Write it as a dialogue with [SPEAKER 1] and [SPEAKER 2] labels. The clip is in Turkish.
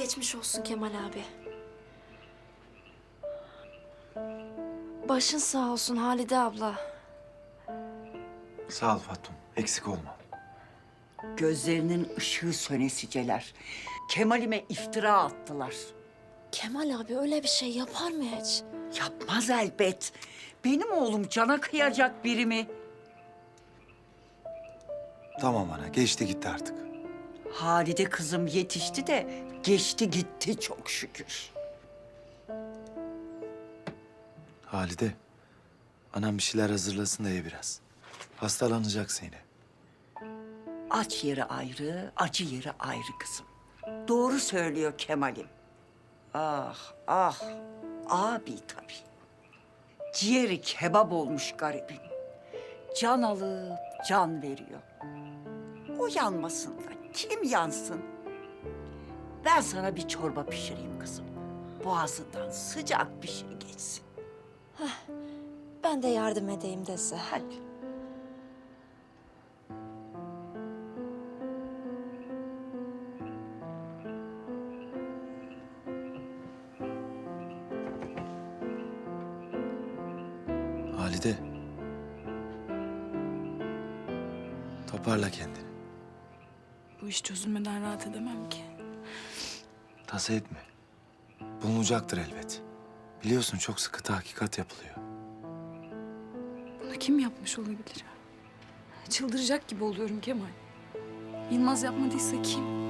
[SPEAKER 1] Geçmiş olsun Kemal abi. Başın sağ olsun Halide abla.
[SPEAKER 2] Sağ ol Fatum. Eksik olma.
[SPEAKER 3] Gözlerinin ışığı sönesiceler. Kemal'ime iftira attılar.
[SPEAKER 1] Kemal abi öyle bir şey yapar mı hiç?
[SPEAKER 3] Yapmaz elbet. Benim oğlum cana kıyacak biri mi?
[SPEAKER 2] Tamam ana. Geçti gitti artık.
[SPEAKER 3] Halide kızım yetişti de geçti gitti çok şükür.
[SPEAKER 2] Halide. Anam bir şeyler hazırlasın da ye biraz. Hastalanacaksın yine.
[SPEAKER 3] Aç yeri ayrı, acı yeri ayrı kızım. Doğru söylüyor Kemal'im. Ah, ah, abi tabii. Ciğeri kebap olmuş garibim. Can alıp can veriyor. O yanmasın da kim yansın? Ben sana bir çorba pişireyim kızım. Boğazından sıcak bir şey geçsin.
[SPEAKER 1] Ben de yardım edeyim dese.
[SPEAKER 3] Hadi.
[SPEAKER 2] Halide. Toparla kendini.
[SPEAKER 4] Bu iş çözülmeden rahat edemem ki.
[SPEAKER 2] Tasa etme. Bulunacaktır elbet. Biliyorsun çok sıkı tahkikat yapılıyor.
[SPEAKER 4] Bunu kim yapmış olabilir? Çıldıracak gibi oluyorum Kemal. Yılmaz yapmadıysa kim?